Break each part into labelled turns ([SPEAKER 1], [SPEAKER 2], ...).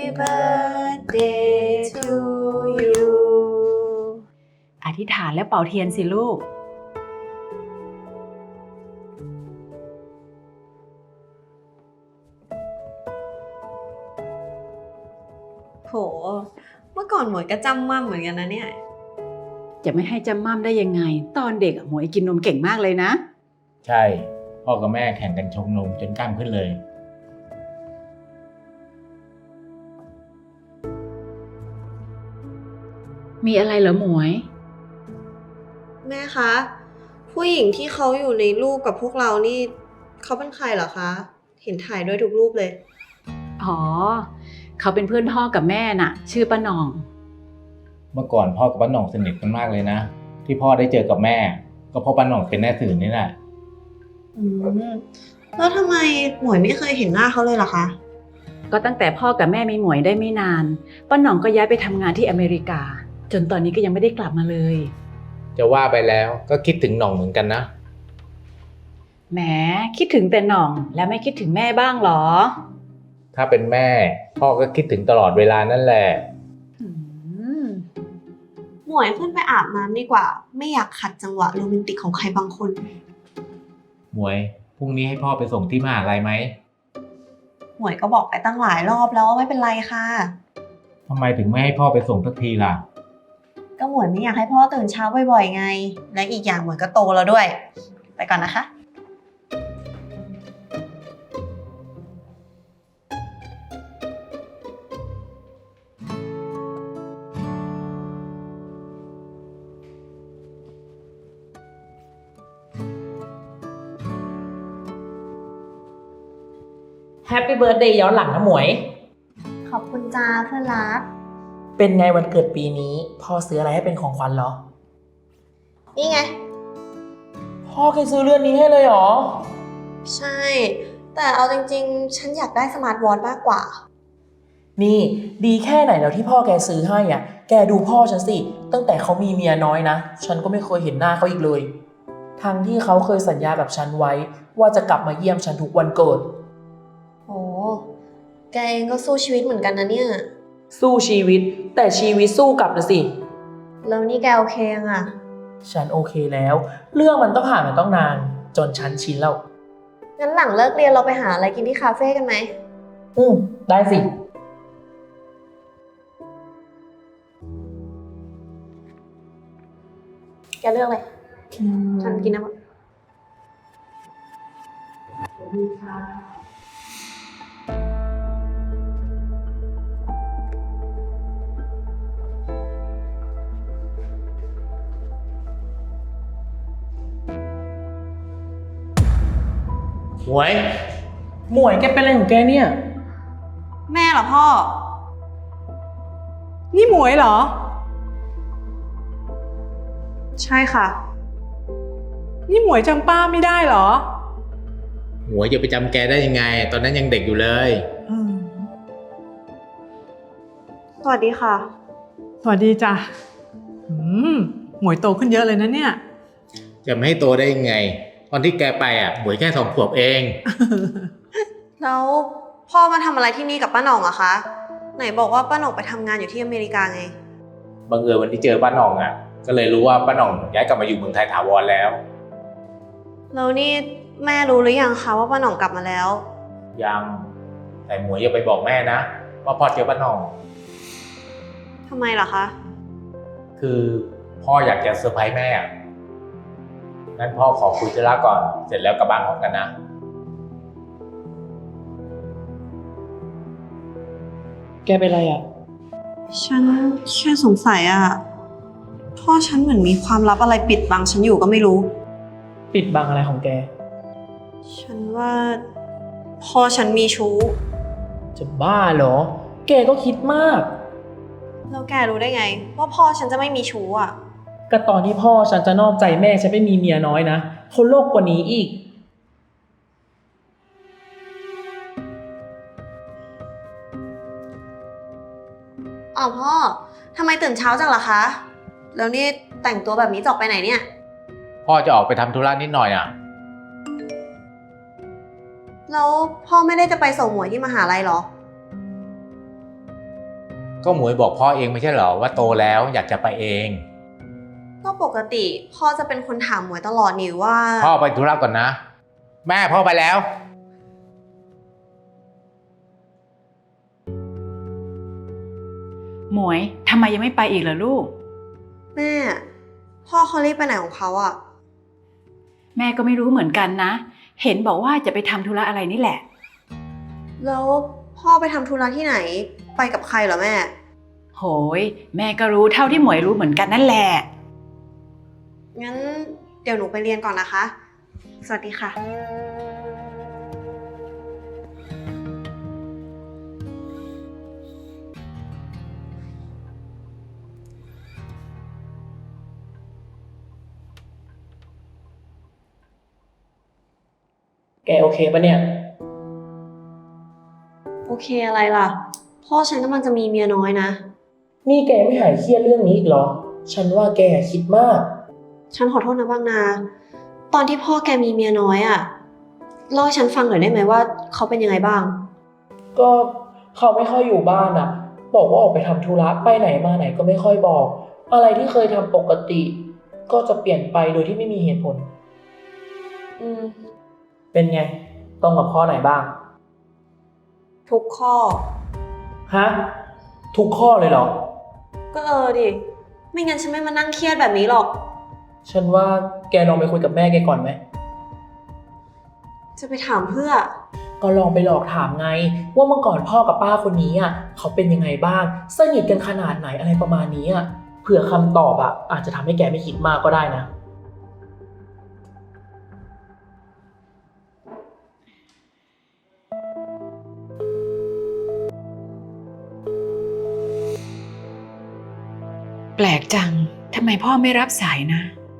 [SPEAKER 1] birthday to you
[SPEAKER 2] อธิษฐานและเป่าเทียนสิลูก
[SPEAKER 1] โห เมื่อก่อนหมวยก็จำมั่มเหมือนกันนะเนี่ย
[SPEAKER 2] จะไม่ให้จำม่ำได้ยังไง ตอนเด็กหมวยกินนมเก่งมากเลยนะ
[SPEAKER 3] ใช่พ่อกับแม่แข่งกันชงนมจนกล้ามขึ้นเลย
[SPEAKER 2] มีอะไรเหรอหมวย
[SPEAKER 1] แม่คะ ผู้หญิงที่เขาอยู่ในรูปกับพวกเรานี่เขาเป็นใครเหรอคะ เห็นถ่ายด้วยทุกรูปเลย
[SPEAKER 2] อ๋อ เขาเป็นเพื่อนพ่อกับแม่น่ะ ชื่อป้าหน่อง
[SPEAKER 3] เมื่อก่อนพ่อกับป้าหน่องสนิทกันมากเลยนะที่พ่อได้เจอกับแม่ ก็เพราะป้าหน่องเป็นแม่สื่อนี่แหละ
[SPEAKER 1] อืม แล้วทำไมหมวยไม่เคยเห็นหน้าเขาเลยล่ะคะ
[SPEAKER 2] ก็ตั้งแต่พ่อกับแม่มีหมวยได้ไม่นานป้าหน่องก็ย้ายไปทำงานที่อเมริกา จนตอนนี้ก็ยังไม่ได้กลับมาเลย
[SPEAKER 3] จะว่าไปแล้วก็คิดถึงหน่องเหมือนกันนะ
[SPEAKER 2] แหมคิดถึงแต่หน่องแล้วไม่คิดถึงแม่บ้างเหรอ
[SPEAKER 3] ถ้าเป็นแม่พ่อก็คิดถึงตลอดเวลานั่นแหละ
[SPEAKER 2] อืม
[SPEAKER 1] หมวยขึ้นไปอาบน้ำดีกว่า ไม่อยากขัดจังหวะโรแมนติกของใครบางคน
[SPEAKER 3] หมวยพรุ่งนี้ให้พ่อไปส่งที่มหาลัยไหม
[SPEAKER 1] หมวยก็บอกไปตั้งหลายรอบแล้วว่าไม่เป็นไรค่ะ
[SPEAKER 3] ทำไมถึงไม่ให้พ่อไปส่งสักทีล่ะ
[SPEAKER 1] ก็หมวยไม่อยากให้พ่อตื่นเช้าบ่อยๆไง และอีกอย่างหมวยก็โตแล้วด้วย ไปก่อนนะคะ
[SPEAKER 4] แฮปปี้เบิร์ดเดย์ย้อนหลังนะหมวย
[SPEAKER 1] ขอบคุณจ้าเพื่อนรัก
[SPEAKER 4] เป็นไงวันเกิดปีนี้พ่อซื้ออะไรให้เป็นของขวัญเหรอ
[SPEAKER 1] นี่ไง
[SPEAKER 4] พ่อเคยซื้อเรือนนี้ให้เลยเหรอ
[SPEAKER 1] ใช่ แต่เอาจริงๆ ฉันอยากได้สมาร์ทวอทมากกว่า
[SPEAKER 4] นี่ดีแค่ไหนแล้วที่พ่อแกซื้อให้อ่ะ แกดูพ่อฉันสิ ตั้งแต่เขามีเมียน้อยนะ ฉันก็ไม่เคยเห็นหน้าเขาอีกเลย ทั้งที่เขาเคยสัญญากับฉันไว้ ว่าจะกลับมาเยี่ยมฉันทุกวันเกิด
[SPEAKER 1] โอ้แกเองก็สู้ชีวิตเหมือนกันนะเนี่ย
[SPEAKER 4] สู้ชีวิต แต่ชีวิตสู้กลับนะสิ
[SPEAKER 1] แล้วนี่แกโอเคยังอะ
[SPEAKER 4] ฉันโอเคแล้ว เรื่องมันก็ผ่านมาต้องนาน จนฉันชินแล้ว
[SPEAKER 1] งั้นหลังเลิกเรียนเราไปหาอะไรกินที่คาเฟ่กันไหม
[SPEAKER 4] ได้สิ
[SPEAKER 1] แกเลือกเลย ฉันกินนะหมด
[SPEAKER 3] หมวย
[SPEAKER 4] หมวยแกเป็นอะไรของแกเนี่ย
[SPEAKER 1] แม่เหรอพ่อ
[SPEAKER 5] นี่หมวยเหรอ
[SPEAKER 1] ใช่ค่ะ
[SPEAKER 5] นี่หมวยจำป้าไม่ได้เหรอ
[SPEAKER 3] หมวยจะไปจำแกได้ยังไง ตอนนั้นยังเด็กอยู่เลย
[SPEAKER 1] สวัสดีค่ะ
[SPEAKER 5] สวัสดีจ้ะหมวยโตขึ้นเยอะเลยนะเนี่ย
[SPEAKER 3] จะไม่ให้โตได้ยังไง ตอนที่แกไปหมวยแค่2 ขวบเอง
[SPEAKER 1] แล้วพ่อมาทำอะไรที่นี่กับป้าหน่องอะคะ ไหนบอกว่าป้าหน่องไปทำงานอยู่ที่อเมริกาไง
[SPEAKER 3] บังเอิญวันที่เจอป้าหน่องก็เลยรู้ว่าป้าหน่องย้ายกลับมาอยู่เมืองไทยถาวรแล้ว
[SPEAKER 1] แล้วนี่แม่รู้หรือยังคะว่าป้าหน่องกลับมาแล้ว
[SPEAKER 3] ยังแต่หมวยอย่าไปบอกแม่นะว่าพ่อเจอป้าหน่อง
[SPEAKER 1] ทำไมล่ะคะ
[SPEAKER 3] คือพ่ออยากจะเซอร์ไพรส์แม่งั้นพ่อขอคุยธุระก่อนเสร็จแล้วกลับบ้านพร้อมกันนะ
[SPEAKER 4] แกเป็นอะไรอ่ะ
[SPEAKER 1] ฉันแค่สงสัยอะพ่อฉันเหมือนมีความลับอะไรปิดบังฉันอยู่ก็ไม่รู้
[SPEAKER 4] ปิดบังอะไรของแก
[SPEAKER 1] ฉันว่าพ่อฉันมีชู้
[SPEAKER 4] จะบ้าเหรอ แกก็คิดมาก
[SPEAKER 1] แล้วแกรู้ได้ไง ว่าพ่อฉันจะไม่มีชู้อะ
[SPEAKER 4] ก็ตอนที่พ่อฉันจะนอกใจแม่ฉันไม่มีเมียน้อยนะเขาโลกกว่านี้อีก
[SPEAKER 1] อ้าวพ่อทำไมตื่นเช้าจังล่ะคะ แล้วนี่แต่งตัวแบบนี้จะออกไปไหนเนี่ย
[SPEAKER 3] พ่อจะออกไปทำธุระนิดหน่อย
[SPEAKER 1] แล้วพ่อไม่ได้จะไปส่งหมวยที่มหาลัยเหรอ
[SPEAKER 3] ก็หมวยบอกพ่อเองไม่ใช่เหรอว่าโตแล้วอยากจะไปเอง
[SPEAKER 1] ก็ปกติพ่อจะเป็นคนถามหมวยตลอดนี่ว่า
[SPEAKER 3] พ่อไปธุระก่อนนะ แม่พ่อไปแล้ว
[SPEAKER 2] หมวยทำไมยังไม่ไปอีกล่ะลูก
[SPEAKER 1] แม่ พ่อเขารีบไปไหนของเขาอะ
[SPEAKER 2] แม่ก็ไม่รู้เหมือนกันนะ เห็นบอกว่าจะไปทำธุระอะไรนี่แหละ
[SPEAKER 1] แล้วพ่อไปทำธุระที่ไหน ไปกับใครเหรอแม่
[SPEAKER 2] โหย แม่ก็รู้เท่าที่หมวยรู้เหมือนกันนั่นแหละ
[SPEAKER 1] งั้นเดี๋ยวหนูไปเรียนก่อนนะคะ สวัสดีค่ะ
[SPEAKER 4] แกโอเคปะเนี่ย
[SPEAKER 1] โอเคอะไรล่ะ พ่อฉันกำลังจะมีเมียน้อยนะ
[SPEAKER 4] นี่แกไม่หายเครียดเรื่องนี้อีกเหรอ ฉันว่าแกคิดมาก
[SPEAKER 1] ฉันขอโทษนะบางนา ตอนที่พ่อแกมีเมียน้อยอะเล่าให้ฉันฟังหน่อยได้ไหมว่าเขาเป็นยังไงบ้าง
[SPEAKER 4] ก็เขาไม่ค่อยอยู่บ้านอ่ะ บอกว่าออกไปทำธุระไปไหนมาไหนก็ไม่ค่อยบอก อะไรที่เคยทำปกติ ก็จะเปลี่ยนไปโดยที่ไม่มีเหตุผล
[SPEAKER 1] อืม
[SPEAKER 4] เป็นไงตรงกับข้อไหนบ้าง
[SPEAKER 1] ทุกข้อ
[SPEAKER 4] ฮะ ทุกข้อเลยเหรอ
[SPEAKER 1] ก็ดิ ไม่งั้นฉันไม่มานั่งเครียดแบบนี้หรอก
[SPEAKER 4] ฉันว่าแกลองไปคุยกับแม่แกก่อนไหม
[SPEAKER 1] จะไปถามเพื่อ
[SPEAKER 4] ก็ลองไปหลอกถามไง ว่าเมื่อก่อนพ่อกับป้าคนนี้อ่ะเขาเป็นยังไงบ้าง สนิทกันขนาดไหนอะไรประมาณนี้อ่ะ เผื่อคำตอบอ่ะอาจจะทำให้แกไม่คิดมากก็ได้นะ
[SPEAKER 2] แปลกจัง ทำไมพ่อไม่รับสายนะ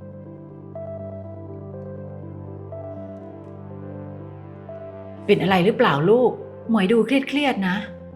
[SPEAKER 2] เป็นอะไรหรือเปล่าลูก หมวยดูเครียดๆนะ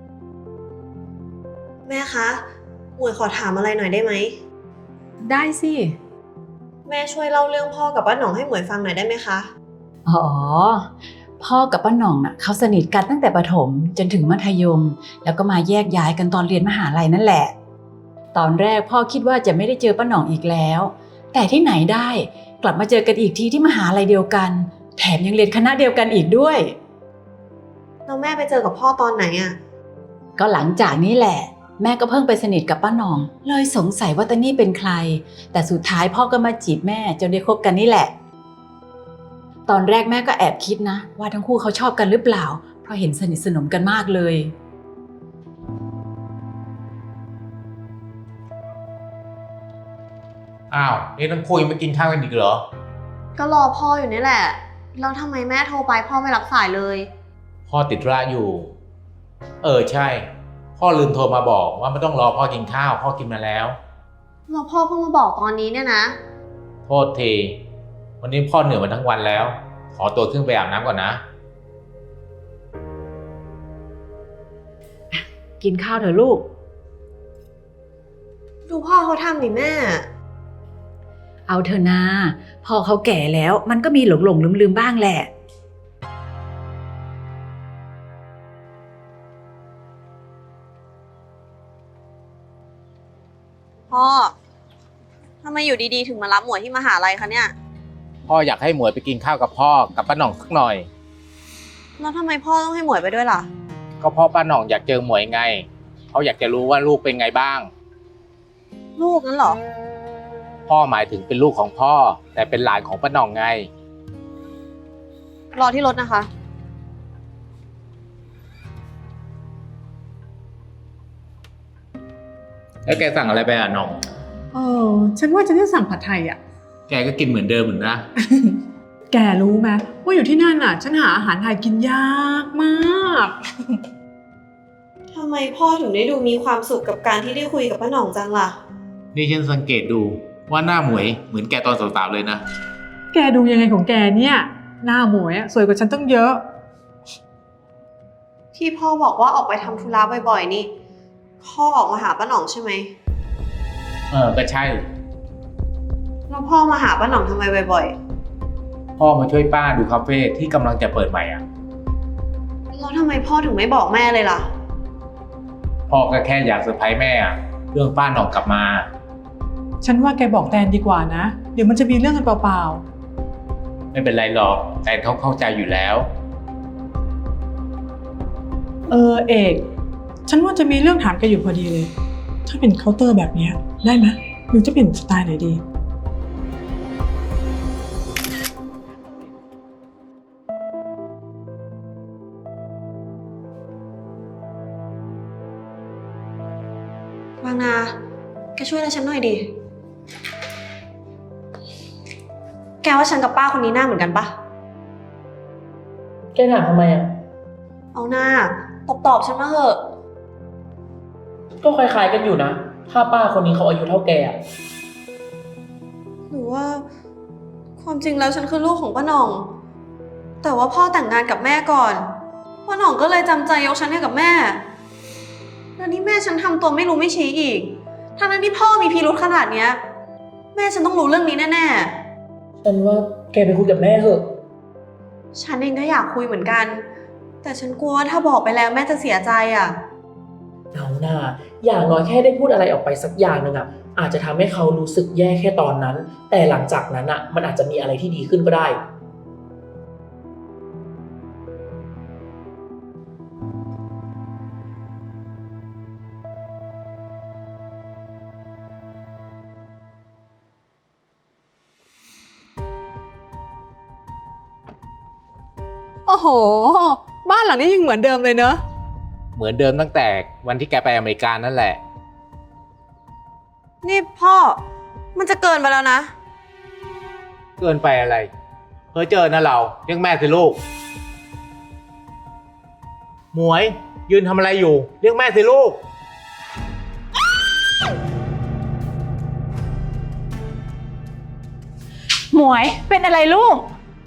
[SPEAKER 1] แม่คะ หมวยขอถามอะไรหน่อยได้ไหม
[SPEAKER 2] ได้สิ
[SPEAKER 1] แม่ช่วยเล่าเรื่องพ่อกับป้าหน่องให้หมวยฟังหน่อยได้ไหมคะ
[SPEAKER 2] อ๋อ พ่อกับป้าหน่องน่ะเขาสนิทกันตั้งแต่ประถมจนถึงมัธยม แล้วก็มาแยกย้ายกันตอนเรียนมหาลัยนั่นแหละ ตอนแรกพ่อคิดว่าจะไม่ได้เจอป้าหน่องอีกแล้ว แต่ที่ไหนได้กลับมาเจอกันอีกทีที่มหาลัยเดียวกัน แถมยังเรียนคณะเดียวกันอีกด้วย
[SPEAKER 1] แล้วแม่ไปเจอกับพ่อตอนไหนอะ
[SPEAKER 2] ก็หลังจากนี้แหละ แม่ก็เพิ่งไปสนิทกับป้าหน่อง เลยสงสัยว่าตานี่เป็นใคร แต่สุดท้ายพ่อก็มาจีบแม่จนได้คบกันนี่แหละ ตอนแรกแม่ก็แอบคิดนะ ว่าทั้งคู่เขาชอบกันหรือเปล่า เพราะเห็นสนิทสนมกันมากเลย
[SPEAKER 3] อ้าวนี่ทั้งคู่ยังไม่กินข้าวกันอีกเหรอ
[SPEAKER 1] ก็รอพ่ออยู่นี่แหละ แล้วทำไมแม่โทรไปพ่อไม่รับสายเลย
[SPEAKER 3] พ่อติดธุระอยู่ ใช่ พ่อลืมโทรมาบอกว่าไม่ต้องรอพ่อกินข้าว พ่อกินมาแล้ว
[SPEAKER 1] แล้วพ่อเพิ่งมาบอกตอนนี้เนี่ยนะ
[SPEAKER 3] โทษที วันนี้พ่อเหนื่อยมาทั้งวันแล้ว ขอตัวขึ้นไปอาบน้ำก่อนนะ
[SPEAKER 2] กินข้าวเถอะลูก
[SPEAKER 1] ดูพ่อเขาทำดิแม่
[SPEAKER 2] เอาเถอะนาพอเขาแก่แล้วมันก็มีหลงลืมบ้างแหละ
[SPEAKER 1] พ่อทำไมอยู่ดีๆถึงมารับหมวยที่มหาลัยคะเนี่ย
[SPEAKER 3] พ่ออยากให้หมวยไปกินข้าวกับพ่อกับป้าหน่องสักหน่อย
[SPEAKER 1] แล้วทำไมพ่อต้องให้หมวยไปด้วยล่ะ
[SPEAKER 3] ก็พ่อป้าหน่องอยากเจอหมวยไง เขาอยากจะรู้ว่าลูกเป็นไงบ้าง
[SPEAKER 1] ลูกนั้นเหรอ
[SPEAKER 3] พ่อหมายถึงเป็นลูกของพ่อ แต่เป็นหลานของป้าหน่องไง
[SPEAKER 1] รอที่รถนะคะ
[SPEAKER 3] แล้วแกสั่งอะไรไปอ่ะหน่อง
[SPEAKER 5] ฉันว่าจะได้สั่งผัดไทยอ่ะ
[SPEAKER 3] แกก็กินเหมือนเดิมเหมือนนะ
[SPEAKER 5] แกรู้ไหมว่าอยู่ที่นั่นน่ะ ฉันหาอาหารไทยกินยากมาก
[SPEAKER 1] ทำไมพ่อถึงได้ดูมีความสุขกับการที่ได้คุยกับป้าหน่องจังล่ะ
[SPEAKER 3] นี่ฉันสังเกตดูว่าหน้าหมวยเหมือนแกตอนสาวๆเลยนะ
[SPEAKER 5] แกดูยังไงของแกเนี่ย หน้าหมวยอะสวยกว่าฉันตั้งเยอะ
[SPEAKER 1] ที่พ่อบอกว่าออกไปทำธุระบ่อยๆนี่ พ่อออกมาหาป้าหน่องใช่ไหม
[SPEAKER 3] ก็ใช่
[SPEAKER 1] แล้วพ่อมาหาป้าหน่องทำไมบ่อย
[SPEAKER 3] พ่อมาช่วยป้าดูคาเฟ่ที่กำลังจะเปิดใหม่อ่ะ
[SPEAKER 1] ๆแล้วทำไมพ่อถึงไม่บอกแม่เลยล่ะ
[SPEAKER 3] พ่อก็แค่อยากเซอร์ไพรส์แม่อะเรื่องป้าหน่องกลับมา
[SPEAKER 5] ฉันว่าแกบอกแตนดีกว่านะ เดี๋ยวมันจะมีเรื่องกันเปล่า
[SPEAKER 3] ไม่เป็นไรหรอกแตนเขาเข้าใจอยู่แล้ว
[SPEAKER 5] ๆเอก ฉันว่าจะมีเรื่องถามแกอยู่พอดีเลย ถ้าเป็นเคาน์เตอร์แบบเนี้ยได้ไหมหรือจะเป็นสไตล์ไหนดี
[SPEAKER 1] บางนา แกช่วยอะไรฉันหน่อยดิ แกว่าฉันกับป้าคนนี้หน้าเหมือนกันปะ
[SPEAKER 4] แกถามทำไมอ่ะ
[SPEAKER 1] เอาหน้า ตอบฉันมาเถอะ
[SPEAKER 4] ก็คล้ายๆกันอยู่นะ ถ้าป้าคนนี้เขาอายุเท่าแกอ่ะ
[SPEAKER 1] หรือว่า ความจริงแล้วฉันคือลูกของป้าหน่อง แต่ว่าพ่อแต่งงานกับแม่ก่อนป้าหน่องก็เลยจำใจยกฉันให้กับแม่ แล้วนี่แม่ฉันทำตัวไม่รู้ไม่ชี้อีกทั้งนั้นที่พ่อมีพิรุธขนาดเนี้ย แม่ฉันต้องรู้เรื่องนี้แน่ๆ
[SPEAKER 4] ฉันว่าแกไปคุยกับแม่เถอะ
[SPEAKER 1] ฉันเองก็อยากคุยเหมือนกัน แต่ฉันกลัวว่าถ้าบอกไปแล้วแม่จะเสียใจอ่ะ
[SPEAKER 4] เอาหน้าอย่างน้อยแค่ได้พูดอะไรออกไปสักอย่างหนึ่งอ่ะ อาจจะทำให้เขารู้สึกแย่แค่ตอนนั้น แต่หลังจากนั้นอ่ะ มันอาจจะมีอะไรที่ดีขึ้นก็ได้
[SPEAKER 5] โอ้โห บ้านหลังนี้ยังเหมือนเดิมเลยเนอะ
[SPEAKER 3] เหมือนเดิมตั้งแต่วันที่แกไปอเมริกานั่นแหละ
[SPEAKER 1] นี่พ่อ มันจะเกินไปแล้วนะ
[SPEAKER 3] เกินไปอะไรเพ้อเจอนะเราเรียกแม่สิลูก หมวยยืนทำอะไรอยู่เรียกแม่สิลูก
[SPEAKER 2] หมวยเป็นอะไรลูก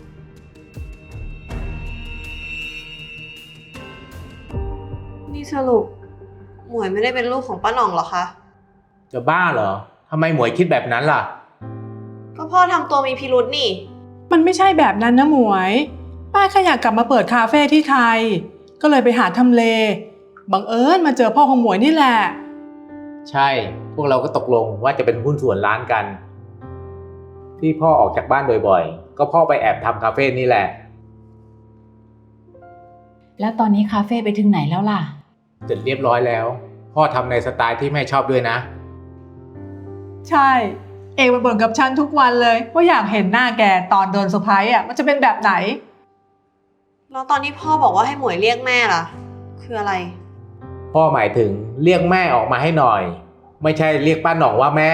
[SPEAKER 1] นี่สรุปหมวยไม่ได้เป็นลูกของป้าหน่องเหรอคะ
[SPEAKER 3] จะบ้าเหรอทำไมหมวยคิดแบบนั้นล่ะ
[SPEAKER 1] ก็พ่อทำตัวมีพิรุธนี่
[SPEAKER 5] มันไม่ใช่แบบนั้นนะหมวย ป้าแค่อยากกลับมาเปิดคาเฟ่ที่ไทย ก็เลยไปหาทำเล บังเอิญมาเจอพ่อของหมวยนี่แหละ
[SPEAKER 3] ใช่ พวกเราก็ตกลงว่าจะเป็นหุ้นส่วนร้านกัน ที่พ่อออกจากบ้านบ่อยๆ ก็พ่อไปแอบทำคาเฟ่นี่แหละ
[SPEAKER 2] แล้วตอนนี้คาเฟ่ไปถึงไหนแล้วล่ะ
[SPEAKER 3] เสร็จเรียบร้อยแล้ว พ่อทำในสไตล์ที่แม่ชอบด้วยนะ
[SPEAKER 5] ใช่ เอกมาบ่นกับฉันทุกวันเลยว่าอยากเห็นหน้าแกตอนโดนเซอร์ไพรส์อ่ะมันจะเป็นแบบไหน
[SPEAKER 1] แล้วตอนที่พ่อบอกว่าให้หมวยเรียกแม่ล่ะ คืออะไร
[SPEAKER 3] พ่อหมายถึงเรียกแม่ออกมาให้หน่อย ไม่ใช่เรียกป้าหน่องว่าแม่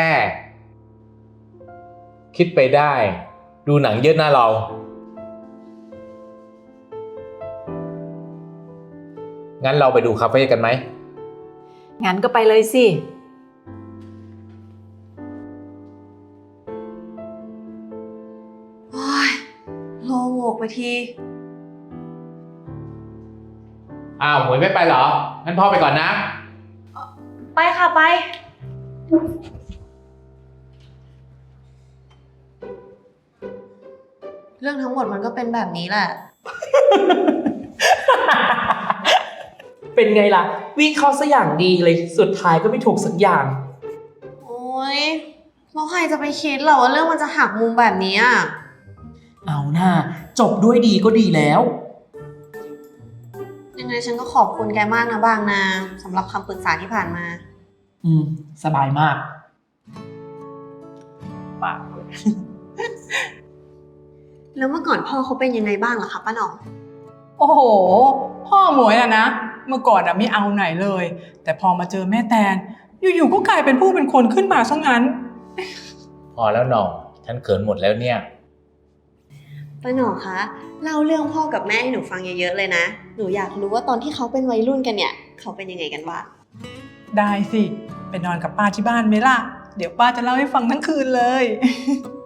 [SPEAKER 3] คิดไปได้ ดูหนังเยอะนะเรา งั้นเราไปดูคาเฟ่กันไหม
[SPEAKER 2] งั้นก็ไปเลยสิ
[SPEAKER 1] โอ้ยโล่งอกไปที
[SPEAKER 3] อ้าวหมวยไม่ไปเหรอ งั้นพ่อไปก่อนนะ
[SPEAKER 1] ไปค่ะไป เรื่องทั้งหมดมันก็เป็นแบบนี้แหละ
[SPEAKER 4] เป็นไงล่ะ วิ่งเข้าซะอย่างดีเลย สุดท้ายก็ไม่ถูกสักอย่าง
[SPEAKER 1] โอ๊ยแล้วใครจะไปคิดเหรอว่าเรื่องมันจะหักมุมแบบนี้อ่ะ
[SPEAKER 4] เอาหน้าจบด้วยดีก็ดีแล้ว
[SPEAKER 1] ยังไงฉันก็ขอบคุณแกมากนะบางนาสำหรับคำปรึกษาที่ผ่านมา
[SPEAKER 4] สบายมาก
[SPEAKER 1] แล้วเมื่อก่อนพ่อเขาเป็นยังไงบ้างล่ะคะป้าหน่อง
[SPEAKER 5] โอ้โห พ่อหมวยอะนะ เมื่อก่อนอะไม่เอาไหนเลย แต่พอมาเจอแม่แตน อยู่ๆก็กลายเป็นผู้เป็นคนขึ้นมาซะงั้น
[SPEAKER 3] พอแล้วหน่อง ฉันเขินหมดแล้วเนี่ย
[SPEAKER 1] ป้าหน่องคะเล่าเรื่องพ่อกับแม่ให้หนูฟังเยอะๆเลยนะ หนูอยากรู้ว่าตอนที่เขาเป็นวัยรุ่นกันเนี่ย เขาเป็นยังไงกันบ้าง
[SPEAKER 5] ได้สิ ไปนอนกับป้าที่บ้านไหมล่ะ เดี๋ยวป้าจะเล่าให้ฟังทั้งคืนเลย